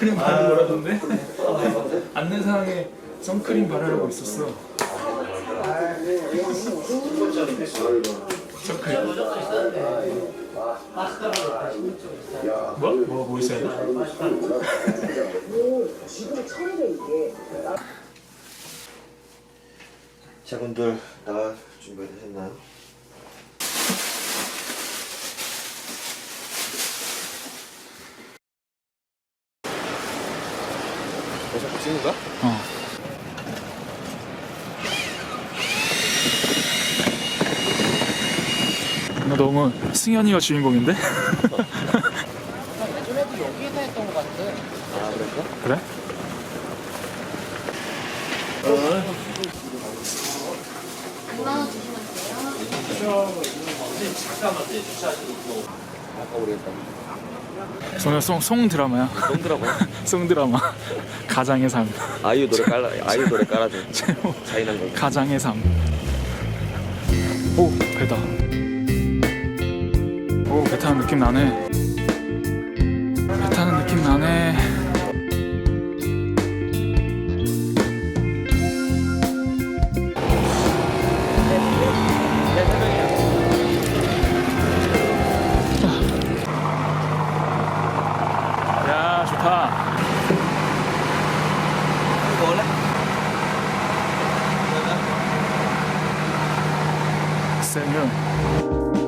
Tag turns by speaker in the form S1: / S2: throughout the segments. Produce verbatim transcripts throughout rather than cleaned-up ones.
S1: 선크림 바르고 오라던데? 안내사항에 선크림 바르라고 있었어. 선크림. 뭐? 뭐, 뭐 있어야 돼?
S2: 자분들 나갈 준비되셨나요? 어차피 찍는 거야?
S1: 어. 나 너무 승현이가 주인공인데?
S3: 예전에도 여기에서 했던 것 같아.
S2: 아 그랬어?
S1: 그래?
S4: 백만 원 주시면 돼요.
S2: 아까 우리 했던
S1: 저는 송, 송 드라마야.
S2: 송 드라마.
S1: 송 드라마. 가장의 삶.
S2: 아이유 노래 깔라 아이유 노래 깔아줘. 자인한 거.
S1: 가장의 삶. 오, 배다. 오, 배 타는 느낌 나네. 배 타는 느낌 나네. 야, 좋다.
S2: 먹을래?
S1: 생유.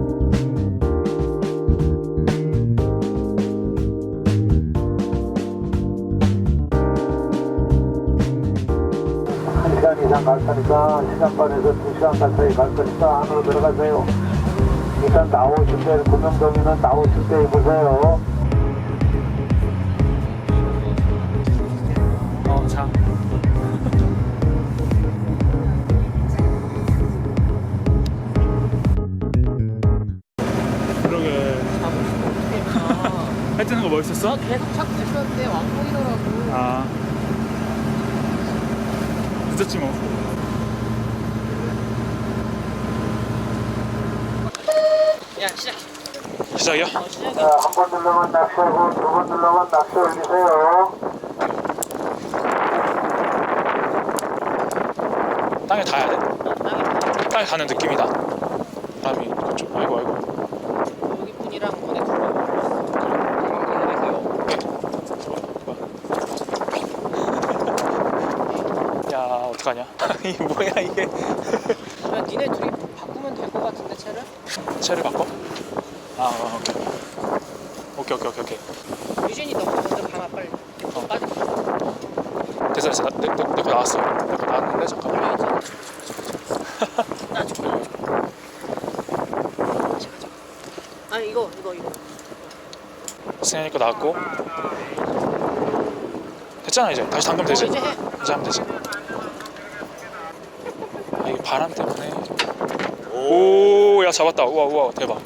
S5: 한 시간 이상 갈 거니까 한 시간 반에서 두 시간 가까이 갈 거니까 안으로 들어가세요. 일단 나오실 때 구명동이는 나오실 때 입으세요.
S1: 어, 자. 그러게. 할 때는 거 멋있었어?
S3: 계속 찾고 있었는데 왕복이더라고.
S1: 아. 늦었지 뭐.
S3: 야 시작.
S1: 시작이야?
S3: 어 시작이.
S5: 자, 한 번 눌러만 낚시하고 두 번 눌러만 낚시 올리세요.
S1: 땅에 닿아야 돼?
S3: 어, 땅에
S1: 땅에 가는 느낌이다. 바람이 그쪽. 아이고 아이고.
S3: 여기 분이랑 보내 주고.
S1: 야, 어떡하냐? 이 뭐야 이게?
S3: 야 니네 둘이 바꾸면 될 것 같은데 차를?
S1: 차를 바꿔? 아, 어, 오케이. 오케이 오케이 오케이 오케이.
S3: 유진이 너 먼저 가봐 빨리.
S1: 어.
S3: 빠져.
S1: 됐어 됐어. 내, 내, 내 거 나왔어. 내 거 나왔는데 잠깐만.
S3: 나 줄게. 아니 이거 이거 이거.
S1: 승현이 거 나왔고. 됐잖아 이제. 다시 담그면 되지.
S3: 어, 이제 해.
S1: 이제 하면 되지. 아, 이게 바람 때문에. 오, 야 잡았다. 우와 우와 대박.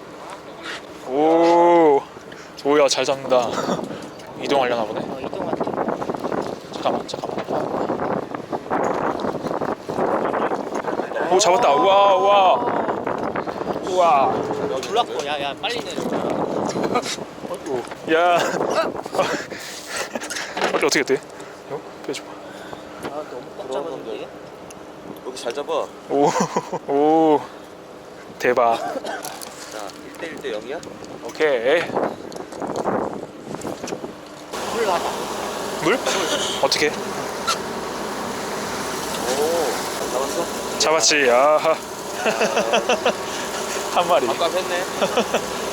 S1: 오, 오야 잘 잡는다. 이동하려나 보네.
S3: 어 이동할 때.
S1: 잠깐만 잠깐만. 오 잡았다. 우와 우와 우와.
S3: 놀랐고 야야 빨리 내려.
S1: 오, 야. 어떻게 어떻게 돼? 이거 빼줘봐.
S3: 아 너무 꽉 잡았는데.
S2: 여기 잘 잡아.
S1: 오, 오, 대박.
S2: 자 일 대 일 대 영이야?
S1: 오케이.
S3: 물 놔봐.
S1: 물? 어떻게?
S2: 오 잡았어?
S1: 잡았지. 아하. 한 마리.
S2: 아까 했네.